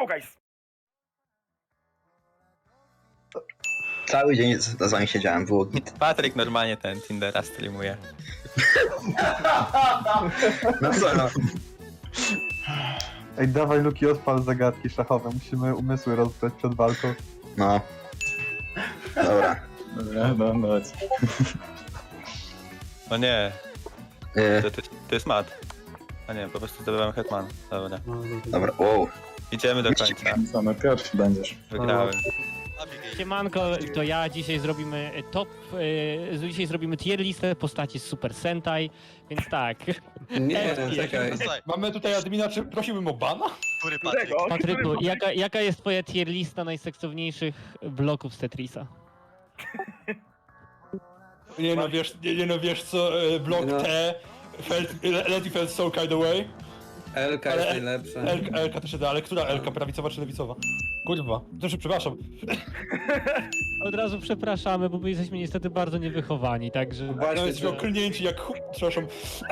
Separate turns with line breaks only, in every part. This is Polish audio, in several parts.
go guys!
Cały dzień z wami siedziałem, było git.
Patryk normalnie ten Tindera streamuje.
No co no?
Ej, dawaj Luki, odpal zagadki szachowe, musimy umysły rozdać przed walką.
No. Dobra.
Dobra, no, chodź.
O nie,
Yy,
to jest mat. A nie, po prostu zdobywamy Hetman. Dobra.
dobra, wow.
Idziemy do końca.
Co, no pierwszy będziesz.
Wygrałem.
Siemanko, to ja dzisiaj zrobimy dzisiaj zrobimy tier listę postaci z Super Sentai, więc tak.
Nie, czekaj.
Mamy tutaj admina, czy prosiłbym o bana?
Który Patryk?
Patryku, jaka jest twoja tier lista najseksowniejszych bloków z Tetrisa?
Nie no wiesz co, blok
No.
T, Leti felt so kind of way.
Elka
Ale-
jest najlepsza.
Elka też się da, ale która Elka, prawicowa czy lewicowa? Kurwa, znaczy przepraszam.
Od razu przepraszamy, bo my jesteśmy niestety bardzo niewychowani, także
No
Właśnie,
jesteśmy
to-
okrnięci jak przepraszam.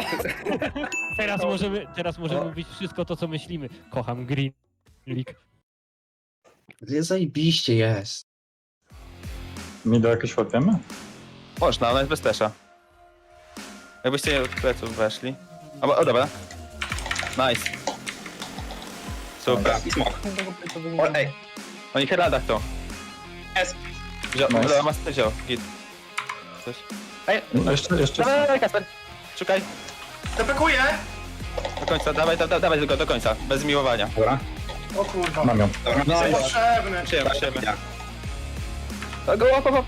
teraz możemy mówić wszystko to, co myślimy. Kocham Green League.
Zajebiście jest.
Mi do jakoś łapiemy?
Można, ona jest bez tesza. Jakbyście od pleców weszli. O dobra. Nice. Super.
Dobra, i smok. O, ej,
Oni Heraldach to.
jest.
Dobra,
Nice.
masz wziął. Git. Coś. Ej,
Jeszcze.
dawaj, Kasper. Szukaj.
Depekuję!
Do końca, dawaj tylko do końca. Bez miłowania.
Dobra.
O kurwa.
Mam ją.
Dobra,
No
no,
potrzebny.
Przyjemy.
ja.
Go.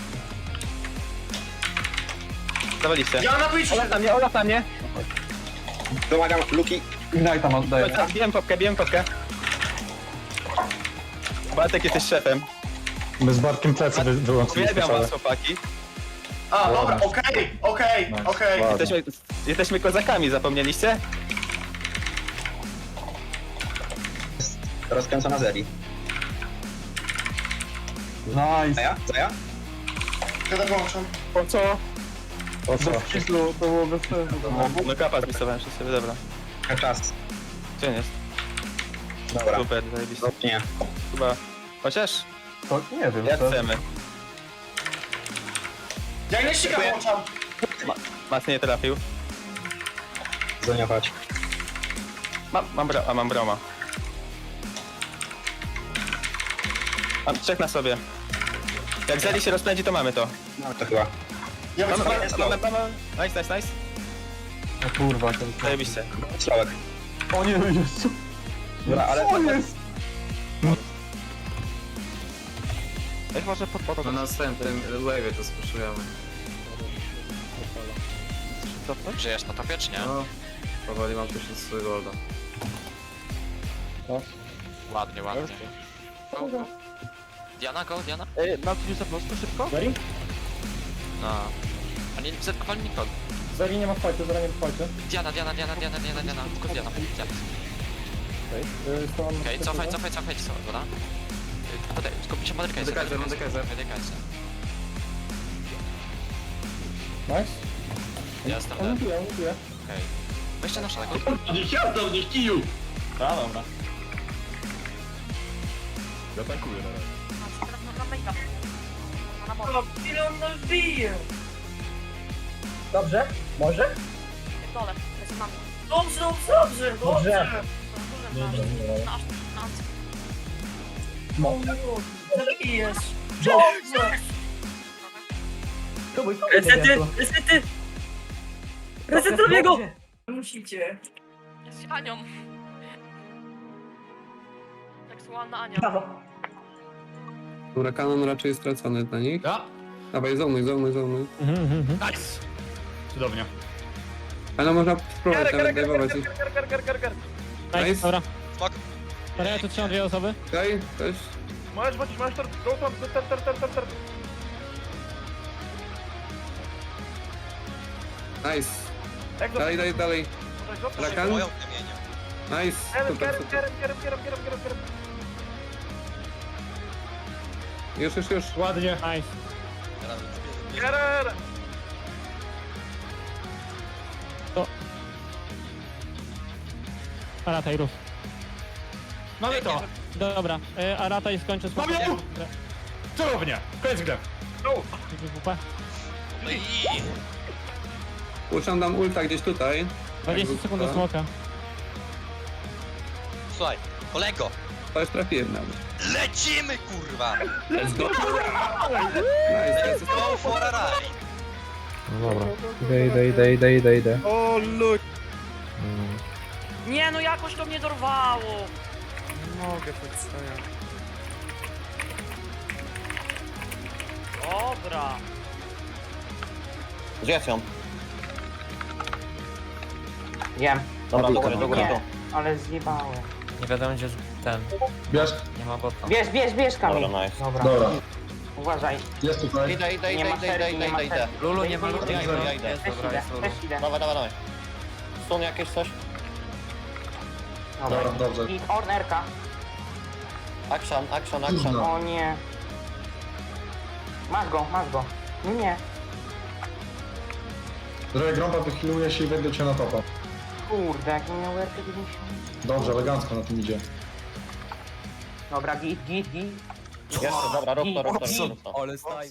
Zawaliście.
Ja na Twitchu!
Olaf na mnie.
Domagam Luki.
Ignite tam oddaję.
Bijem popkę. Bartek, jesteś szefem.
My z Bartkiem plecy wyłączyliśmy
Uwielbiam
całe.
was, chłopaki.
A, dobra, okej.
Ładnie.
Jesteśmy kozakami, zapomnieliście?
Rozkręcona Zeri.
Nice.
Zaja? Zaja?
Kiedy włączam?
Po co?
O co?
Bez kitu, to było bez sensu.
No kapa zmisowałem przez sobie, dobra.
Czas.
Gdzie on jest?
Dobra.
Super, zajebiście.
Nie.
Chyba... Chociaż...
To nie wiem,
Jak
co?
chcemy.
Ja nie ścigam włączam.
Mas nie trafił.
Zoniować.
Mam broma. Mam trzech na sobie. Jak Zeli się rozpędzi, to mamy to.
No to chyba.
Ja
Mamy,
wycofam.
mamy.
Nice.
O kurwa, ten
Zajebiście.
Sławek.
O nie, Jezu.
Dobra, ale...
Co jest?
Weź może pod
Na następnym wave'ie to spuszczujemy.
Żyjesz na topie, czy nie?
No, powoli mam 1000 golda.
Ładnie. Go. Diana, go, Diana?
Mam coś za prosto, szybko?
No. A nie zetkowali nikogo.
Zeri nie ma fajtu, Zeri nie ma fajtu.
Diana. Tylko Diana. Okej, cofaj, dobra? Skupi się Madryka.
Dekajzer.
Madryka.
Nice.
Ja jestem dead.
Mówię.
Okej. Weźcie na szalego.
A, dobra.
Ile on nas bije?
Dobrze? Może?
Dole, lecę na mnie. Dobrze. Zabijesz. Dobrze. Resety! Reset drugiego! Musicie. Jest Anią. Seksualna Ania.
Dobra, kanon raczej jest stracony dla nich.
Ja?
Dawaj, zonuj.
Nice! Cudownie.
Ale można spróbować nawet dajwować ich.
Nice,
Nice.
dobra.
Smok.
Dobra, ja tu trzymam dwie osoby.
Okej, też.
Możesz wrócić, możesz tor.
Nice. Dalej. Rakan. Nice. Super. Już.
Ładnie.
Nice. Lataj, rów.
Mamy to.
Dobra, Arata i skończę z
Mam ją! Cudownie! Koniec gry.
No i...
Puszczam tam ulta gdzieś tutaj.
20 sekund do smoka.
Słuchaj, kolego,
To już trafiłem nawet.
lecimy kurwa!
Let's go! Nice,
Let's go for a ride!
Dobra. Idę.
O luj!
Nie, no jakoś to mnie dorwało.
Nie mogę tak stoję.
Dobra.
Zjedz ją.
Wiem.
Dobra, do góry, do góry.
Nie, ale zjebałem.
Nie wiadomo gdzie ten...
Bierz.
Nie ma bota.
Bierz Kamil.
Dobra, nice.
Dobra.
Dobra.
Uważaj.
Jest tutaj.
Idę.
Nie ma serii, nie ma serii.
Lulu nie ma
Też
Lulu.
Ja idę.
idę, też idę.
Dawaj. Stun jakieś coś?
Dobra.
Dobrze.
I Ornerka.
Action.
O nie. Masz go. Nie.
Droga grąba, wychiluje się i wejdę cię na topa.
Kurde, jak nie miał RP90.
Dobrze, elegancko na tym idzie.
Dobra, git.
Jeszcze, dobra, rób to.
Ale staj.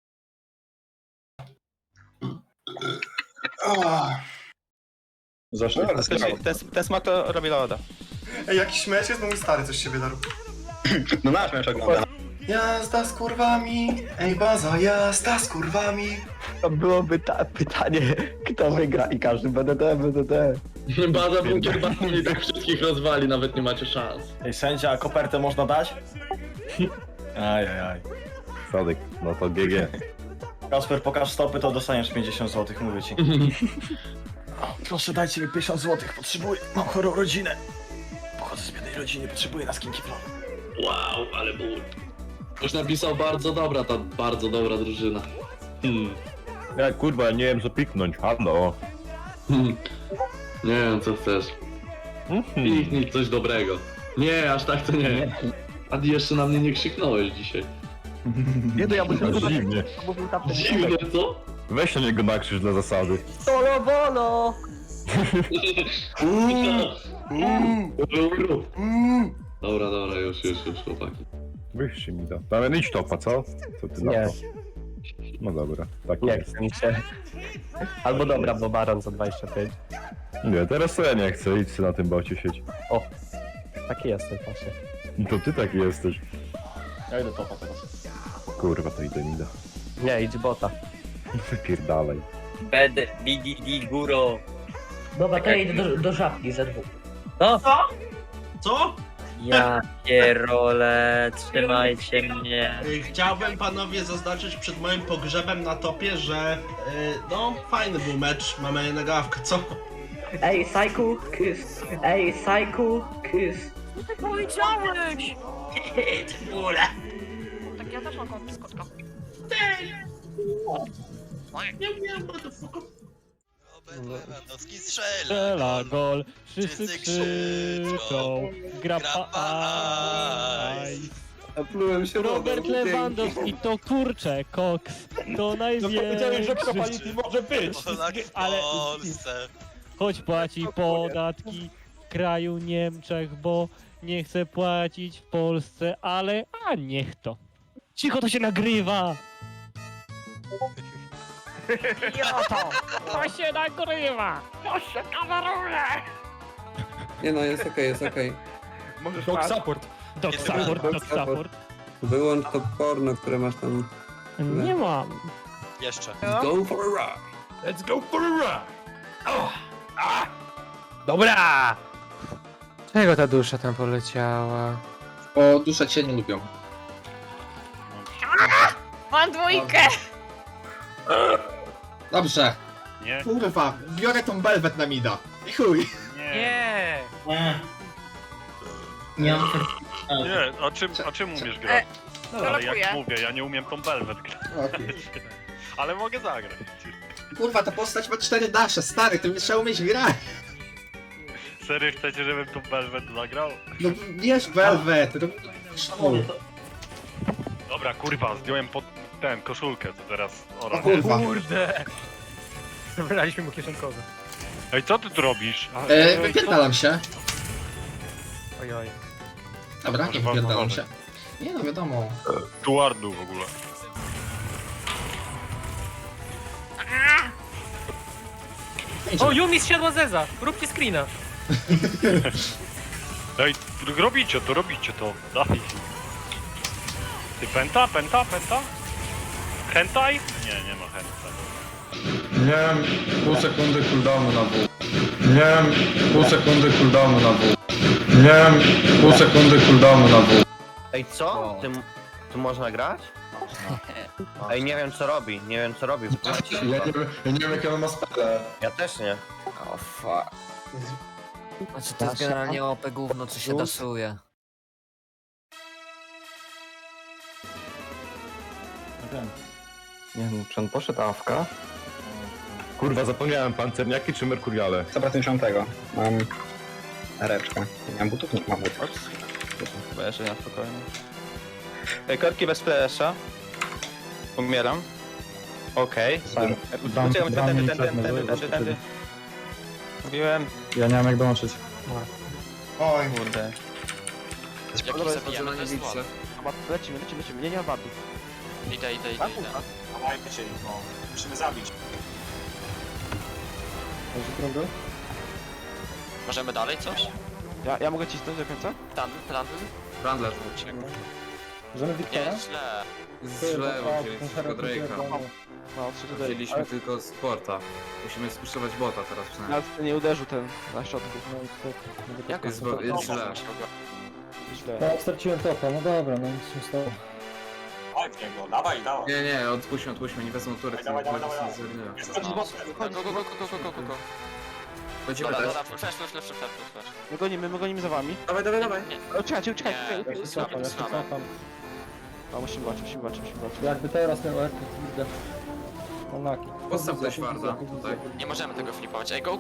Zaszli.
Ten smak to robi loda.
Ej, jakiś mecz jest, bo mój stary coś się wydarł.
No nasz mecz ogląda.
Jazda z kurwami, ej baza, jazda z kurwami.
To byłoby pytanie, kto wygra i każdy BDT.
Baza bunkier i tak wszystkich rozwali, nawet nie macie szans.
Ej, sędzia, kopertę można dać? Ajajaj.
Sadek, no to GG.
Kasper, pokaż stopy, to dostaniesz 50 zł, mówię ci. Proszę, dajcie mi 50 zł, potrzebuję. Mam chorą rodzinę. Pochodzę z biednej rodziny, potrzebuję na skinki plan.
Wow, ale ból. Już napisał bardzo dobra drużyna.
Ja kurwa, nie wiem co piknąć, halo.
Nie wiem co chcesz. Piknij coś dobrego. Nie, aż tak to nie. A ty jeszcze na mnie nie krzyknąłeś dzisiaj.
Nie, to ja bym dziwnie.
Dziwnie, co?
Weź na niego nakrzycz dla zasady.
Solo bolo.
Dobra, już, chłopaki.
Wyjście mi da. Damian, idź topa, co? Co ty na to? No dobra, tak
Nie
jest.
chce mi się. Albo dobra, bo baron za 25.
Nie, teraz to ja nie chcę, idź sobie na tym bocie sieć.
Taki jestem właśnie.
To ty taki jesteś.
Ja idę topa teraz.
Kurwa, to idę, nie da.
Nie, idź bota.
Wypierdalaj.
BDD góro.
Dobra, to ja idę do żabki ze dwóch.
Co? Ja pierole, trzymajcie mnie.
Chciałbym panowie zaznaczyć przed moim pogrzebem na topie, że no fajny był mecz, mamy nagawkę, co?
Ej, Psycho, kiss.
Co ty powiedziałeś?
Ule.
Tak ja też mam kotka.
Lewandowski strzela.
Strzela gol, wszyscy krzyczą. Grappa
Plułem się
Robert
wodą.
Lewandowski to kurczę, koks. To
Powiedziałem, że
największy.
kopality może być.
Polak w
Ale-
Polsce.
Choć płaci podatki w kraju Niemczech, bo nie chce płacić w Polsce, ale a niech to. Cicho, to się nagrywa! Idioto! To się nagrywa! To się kameruje!
Nie no, jest okej.
Dog support.
Dog support.
Wyłącz to porno, które masz tam.
Nie mam.
Jeszcze.
Go for a ride.
Let's go for a ride.
Dobra! Czego ta dusza tam poleciała?
O, dusze cię nie lubią.
Mam dwójkę.
Dobrze.
Nie.
Kurwa, biorę tą belwet na mida. I chuj.
Nie.
Nie mam
Nie, o czym umiesz grać?
Ale jak
mówię, ja nie umiem tą belwet grać. Ale mogę zagrać.
Kurwa, ta postać ma 4 dasze, stary, ty nie trzeba umieć grać.
Serio chcecie, żebym tą belwet zagrał?
No bierz belwet.
Dobra, kurwa, zdjąłem pod ten koszulkę, to teraz...
O kurwa.
Kurde! Zabraliśmy mu kieszonkowe.
Ej, co ty tu robisz?
Wypierdalam się.
Ojoj.
Dobra, nie wypierdalam się. Nie no, wiadomo.
Tuardu w ogóle.
O, Yumi zsiadła Zeza! Róbcie screena!
Daj, robicie to. Daj. Ty penta? Hentai? Nie ma hentai.
Miałem pół sekundy cooldownu na W. Miałem pół sekundy cooldownu na W. Miałem pół sekundy cooldownu na W.
Ej, co? Tu można grać? Ej, nie wiem co robi.
Ja nie wiem jakie on ma spele.
Ja też nie.
O fuck. Znaczy to jest generalnie OP gówno, co się dasuje.
Nie wiem, czy on poszedł AFK?
Kurwa, zapomniałem, pancerniaki czy merkuriale?
150. Mam reczkę. Nie mam butów, nie mam butów.
Chyba jeszcze na spokojnie. Ej, korki bez flasha. Umieram. Okej. Uciekam, tędy. Mówiłem.
Ja nie mam jak dołączyć.
Oj,
Kurde.
Jak ich zabijamy, to jest słabe.
Lecimy, nie ma wartu.
Idę.
Dawajcie się, no. Musimy zabić.
Możemy dalej coś?
Ja mogę cisnąć do końca?
Plan.
Brandler.
Możemy
Nie, źle.
Źle, wzięliśmy tylko Drake'a.
No,
Wzięliśmy tylko Sporta. Musimy spuszczować bota teraz przynajmniej.
Nawet nie uderzył ten na środku.
Jak
Jest
on
źle.
Źle.
No, straciłem topa, no dobra, no nic się stało.
Chodź niego, dawaj.
Nie, odpuśćmy, nie wezmą tury.
Dawaj.
Chodź.
Go.
Chodzimy
Dobra,
też.
flash.
My gonimy za wami.
Dawaj.
Uciekajcie.
Nie, słabe.
No, musimy walczyć.
Jakby teraz miał Erkę, kurde. Onaki.
Postaw coś twarda tutaj.
Nie możemy tego flipować. Ej, go.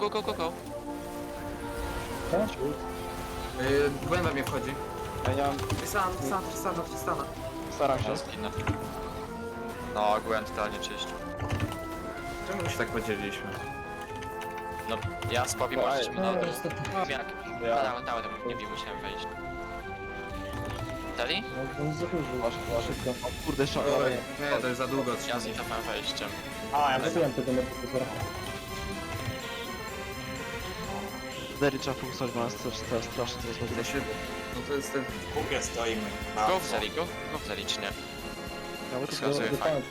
Głęba mnie wchodzi.
Ja nie mam...
Tristana.
Staram się.
No, Gwen totalnie czyścił.
Czemu się tak podzieliliśmy?
No, ja z Poppy możecie mi na dół. Jak? Dałem, nie wiem, musiałem wejść. Dali?
Szybko. O kurde, jeszcze...
Nie, to jest za długo.
Ja z cofałem wejściem.
A, ja
Zepsułem tego medycyzora.
Dery trzeba fokusować, bo nas to strasznie to jest
No to jest ten...
w kupie stoimy.
Go w zeli, czy nie?
Ja bym
Wskazuję fajnie.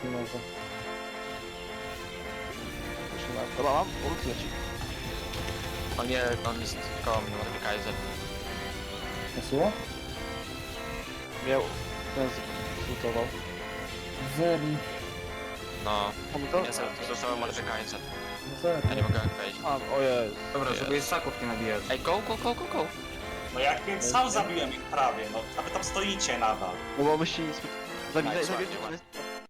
Dobra, mam? Ult leci.
On jest koło mnie, może Kaiser.
Posłuło?
Miał... Ten zlutował.
Zeri.
No,
Mamy to?
ja sobie zostało może Kaiser.
Zeri.
Ja nie mogę wejść.
O jest.
Dobra, żeby jest szaków nie nabijać.
Ej, go!
No jak sam zabiłem ich prawie, no. A wy tam stoicie nadal.
No bo myście nic...
Nice,
Zabijcie.
ładnie.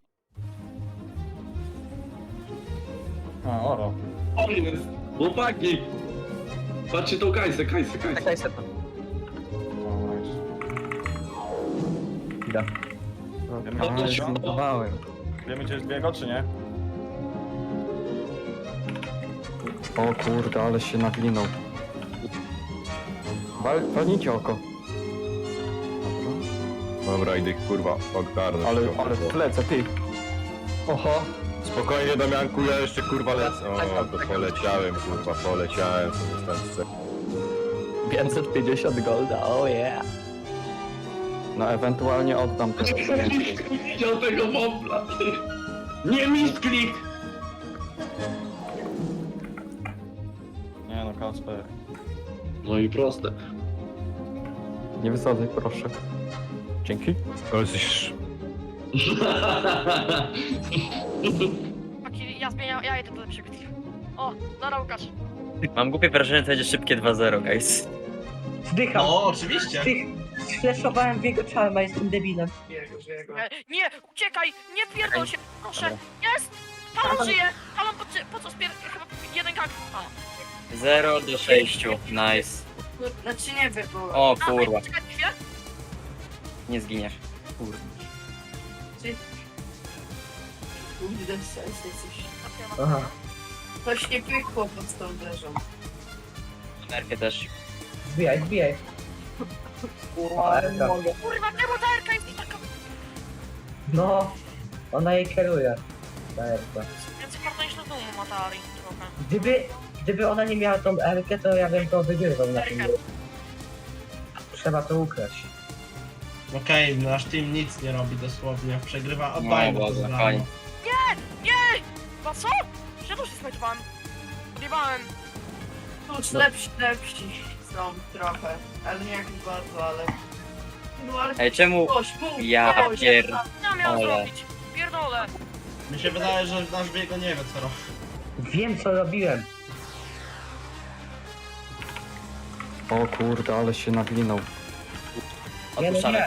A, oro.
O jest! Chłopaki! Patrzcie tą Kajsę.
Wiemy gdzie jest biego, czy nie?
O kurde, ale się nawinął. Walnijcie oko.
Dobra, idę kurwa, ogarnę.
Ale w plecę, ty. Oho.
Spokojnie Damianku, ja jeszcze kurwa lecę. O, to poleciałem sobie stąd.
550 golda, oh yeah. No ewentualnie oddam teraz.
Widział tego mobla! Nie misklik!
Nie no, Kacper.
No i proste.
Nie wysadzaj, proszę. Dzięki.
Ale jesteś...
Ja idę do lepszego teamu. O, dobra Łukasz.
Mam głupie wrażenie, że to będzie szybkie 2-0, guys.
Zdycham. O, oczywiście.
Fleszowałem w jego czarma, jestem debilem. Nie, uciekaj! Nie pierdol się, proszę! Jest! Talon żyje! Talon po co chyba jeden gang.
0 do 6, nice.
Znaczy nie wiem, bo...
O kurwa,
Czekaj chwilę.
nie zginiesz.
Kurde, sens jesteś. Aha. Coś nie pykło pod tą wieżą.
Nerkę też.
Zbijaj.
Kurwa, nie mogę.
Kurwa, czemu ta Erka jest taka...
No, ona jej kieruje.
Więcej karta niż na domu ma ta Ari trochę.
Gdyby ona nie miała tą Erkę, to ja bym to wygrywał na tym.
Erkę.
Trzeba to ukraść.
Okej, nasz team nic nie robi dosłownie. Przegrywa obaj.
No, Boże, fajnie.
Nie! Chyba co? Ja też się smajtowałem. Odjebałem.
Tuż lepsi są trochę, ale nie jakoś bardzo, ale... No ale
Ej, czemu?
ktoś mów,
Ja
ktoś.
pier...
Ja miałem
Ale.
zrobić. Pierdolę.
Mi się wydaje, że nasz biego nie wie co robi.
Wiem co robiłem.
O kurde, ale się nawinął.
Odpuszczamy.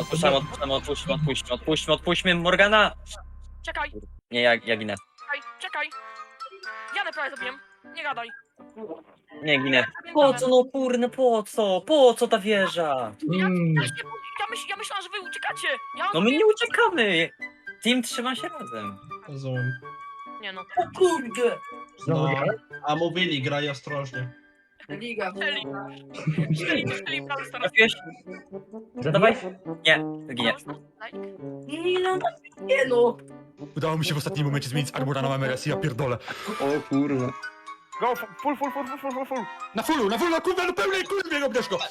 Odpuśćmy Morgana!
Czekaj,
Nie, ja ginę.
czekaj. Janę prawie zabiłem. Nie gadaj.
Nie ginę. Po co, no kurna, po co? Po co ta wieża?
Ja myślałem, że wy uciekacie. Ja
No my nie uciekamy! Team trzyma się razem.
Rozumiem.
Nie no.
O kurde!
No, a mówili, graj ostrożnie.
Liga.
Czyli prawie stara.
Trafiłeś? Dawaj. Nie, ginie.
Nie no!
Udało mi się w ostatnim momencie zmienić Armora na MRS i ja pierdolę.
O kurwa.
Go, full. Na fullu, na kurwa, no pełnej kurwie, obierz go.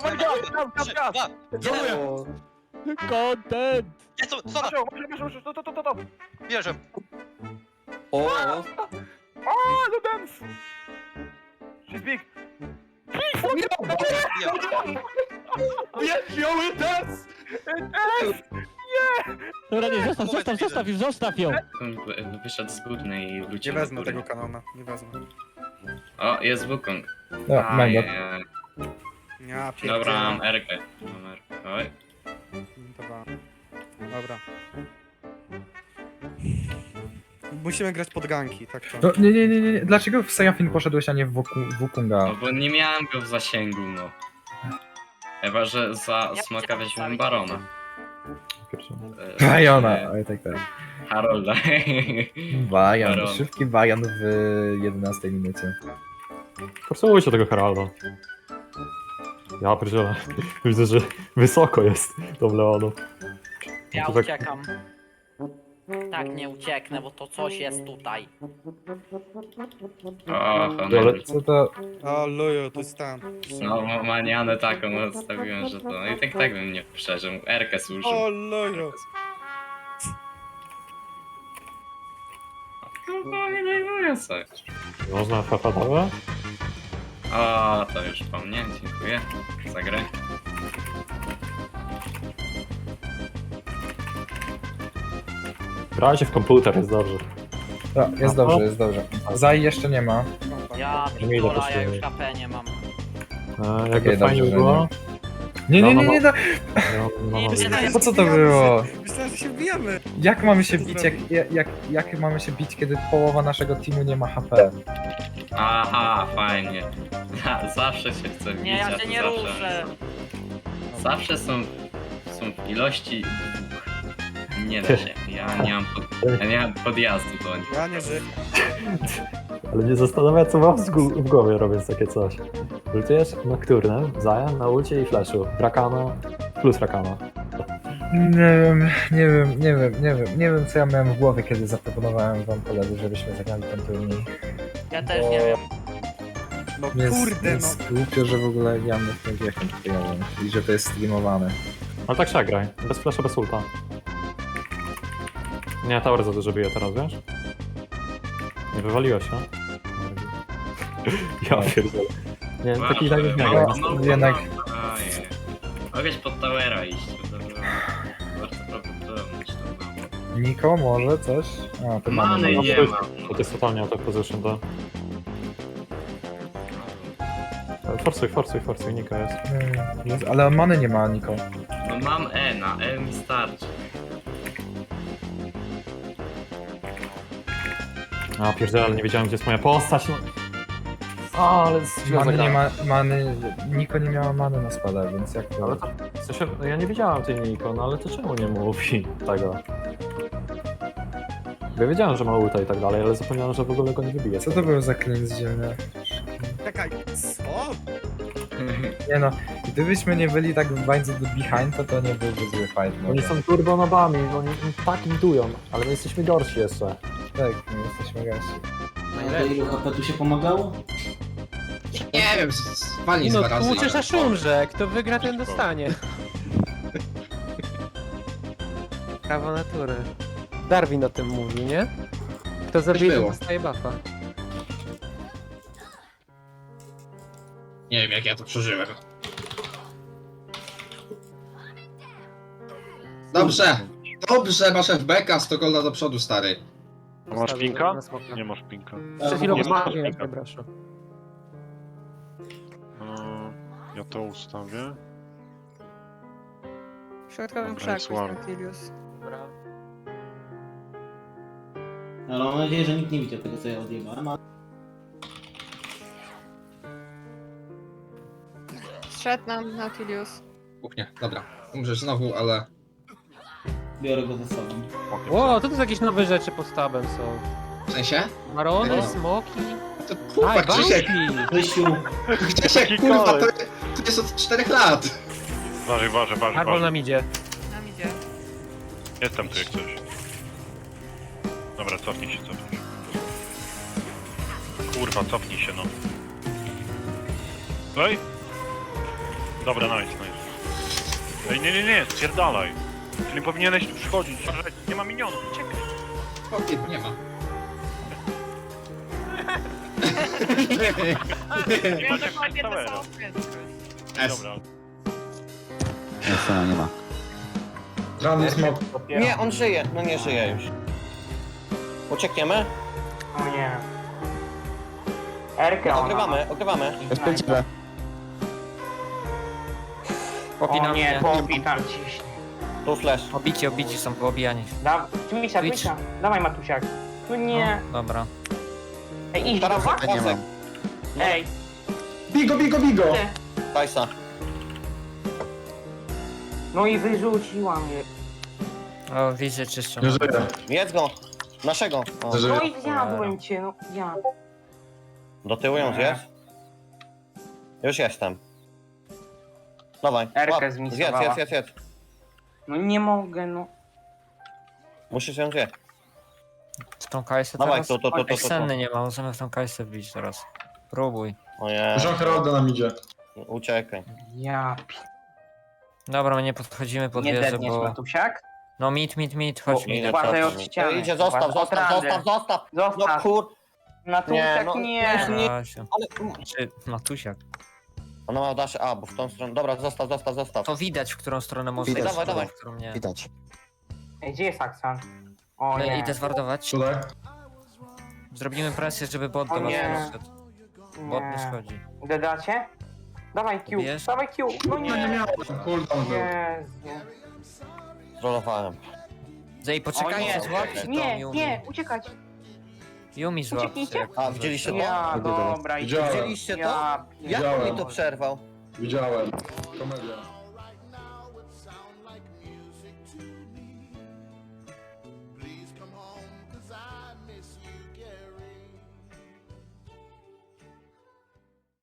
Dziękuję.
Content!
Bierzem.
O,
Wziąły test!
Dobra, nie, zostaw ją!
Wyszedł z górnej i wrócił.
Nie wezmę tego kanona, nie wezmę.
O, jest Wukong.
Ja, mam go.
Ja dobra, mam Erkę. Oj.
Dobra. Musimy grać pod ganki, tak to.
No, nie. Dlaczego w Sejafin poszedłeś, a nie w Wukunga?
No bo nie miałem go w zasięgu, no. Chyba, że za smoka weźmiemy Barona.
Bajona, oj tak.
Harolda.
Bajan,
Baron.
szybki Bajan w 11 minucie.
Forsujcie tego Heralda. Ja pierdzielę. Widzę, że wysoko jest tą Leoną.
Ja
To tak-
uciekam. Tak, nie ucieknę, bo to coś jest tutaj.
O,
Ale
honor.
Co to?
O, luju, to jest tam.
No, manianę taką odstawiłem, że to... No i tak bym nie przeżył. Erkę służył.
O, luju.
No, nie dajmuję coś.
można FFA.
O, to już po mnie, dziękuję za grę.
Grajcie w komputer, jest dobrze.
No, jest dobrze. Zaj jeszcze nie ma.
Ja
Nie idę po
ja już
prostu.
HP nie mam.
Jakby
Okej,
fajnie
dobrze,
było.
Nie,
No,
po co to było?
Myślałem, że się wbijamy.
Jak mamy się bić, jak mamy się bić, kiedy połowa naszego teamu nie ma HP?
Aha, fajnie. Zawsze się chce bić,
Nie, ja
a
się
to
nie
zawsze...
ruszę.
Zawsze są w ilości dwóch. Nie da się. Ja nie mam podjazdu do nich.
Ja nie żyję.
Ale nie zastanawiam, co mam w głowie robiąc takie coś. Ultujesz Nocturne, Zajan na ulcie i flashu. Rakana plus Rakana.
Nie wiem co ja miałem w głowie, kiedy zaproponowałem wam koledzy, żebyśmy zagrali ten turniej.
Ja też nie wiem.
No
Jest głupio, że w ogóle gramy w tym wiechem turniejowym i że to jest streamowane.
Ale tak się graj. Bez flasha, bez ulta. Nie, tower za dużo bije teraz, wiesz? Nie wywaliłeś się? Ja pierdolę. Nie, taki tak nie
no,
gra.
jednak-
Ojej. Mogłeś pod towera iść. To było bardzo prawdopodobne. że to było.
Niko, może coś? A, to mamy.
Many nie
to-
mam.
To jest totalnie out of position, to... Forsuj, Nika jest.
Jest, ale many nie ma, Niko.
No mam E, na E mi starczy.
A pierdziele, ale nie wiedziałem, gdzie jest moja postać, no. A, ale źle
Many nie
zagrałem.
ma, Niko nie miała many na spada, więc jak to...
Ale to, w sensie, no ja nie wiedziałem tej Niko, no ale to czemu nie mówi tego? Bo ja wiedziałem, że ma ulta i tak dalej, ale zapomniałem, że w ogóle go nie wybije.
Co to był za klin z ziemi?
Czekaj, co?
Nie no, gdybyśmy nie byli tak w bańce do behind, to nie byłby zły fight.
Oni są turbonobami, oni tak intują, ale my jesteśmy gorsi jeszcze.
Tak, my jesteśmy gorsi.
Do ilu HP tu się pomagało?
Nie wiem, walnij
No,
dwa razy.
tłuczesz aż umrze. Kto wygra, ten dostanie. Prawo natury. Darwin o tym mówi, nie? Kto zabije, to
było.
dostaje buffa.
Nie wiem, jak ja to przeżyłem. Dobrze, dobrze, masz FBK, 100 golda do przodu, stary.
Masz pinka?
Nie masz pinka.
Przed chwilą
Nie masz
postawiłem,
pinka.
przepraszam.
Ja to ustawię.
W środkowym
Dobra, jest
krzaku jest
ładnie.
Nautilus.
Ale mam nadzieję, że nikt nie widział tego, co ja odjebałem.
Zszedł nam Nautilus.
Nie, dobra. Umrzesz znowu, ale...
Biorę go ze sobą.
Ło, to jakieś nowe rzeczy pod tabem są.
W sensie?
Marony,
No.
smoki.
To kurwa, Krzysiek!
Krysiu,
Krzysiek, kurwa, to jest od 4 lat!
Uważaj.
Arbol nam idzie.
Nam idzie.
Jestem tu jak coś. Dobra, cofnij się. Kurwa, cofnij się, no. Ej! Dobra, nice. Ej, nie, spierdalaj. Czyli powinieneś tu przychodzić, nie ma minionów, uciekaj.
Powiedz, nie ma.
Ja dokładnie to samo prędkość.
Dobra.
Nie ma.
Rany smok.
Nie, on żyje. No nie żyje już. Uciekniemy?
O nie.
Okrywamy.
Popinam nie, popinam ciśnie.
Tu flash.
Obici są poobijani.
Misia, dawaj Matusiak. Tu nie.
No, dobra.
Ej, idź
Teraz pasek.
Ej.
Bigo!
Tajsa.
No i wyrzuciła mnie.
O, widzę czyszczą.
Nie żyję.
Jedz go. Naszego. O.
Nie żyję.
i zjadłem cię, no ja.
Do tyłu ją zjedz. Już jestem. Dawaj.
Erkę
łap.
zmisowała.
Zjedz.
No nie mogę, no.
Musisz ją zjeść.
W tą kajsę
Dawaj,
teraz?
tu.
Ej, senny nie ma, możemy w tą kajsę wbić teraz. Próbuj.
Ojej.
Jean Heralda nam idzie.
Uciekaj.
Ja
Dobra, my nie podchodzimy pod wieżę, bo...
Matusiak?
No mit, chodź mi.
Uważaj od ściany.
Idzie, zostaw. No kur... Nie, no, nie.
Czy Matusiak?
Ona ma dash, bo w tą stronę. Dobra, zostaw.
To widać, w którą stronę może
Widać,
iść,
dawaj.
w którą nie.
Widać.
Ej, gdzie jest Aksan? O
Idę zwardować.
Tutaj?
Zrobimy presję, żeby bot do
O
was
nie.
wszedł. Bot nie schodzi.
Dodacie? Dawaj Q,
Bierz?
dawaj Q. No
Nie miałem, cooldown był.
Jezu.
Zrolowałem.
Zej, poczekajcie, złapcie tą Yumi.
uciekać.
Yumi złapcie.
Ucieknijcie.
jak
Widzieliście to?
Ja, dobra.
Widziałem.
Widzieliście to?
Ja,
Jak on mi to przerwał?
Widziałem. Komedia.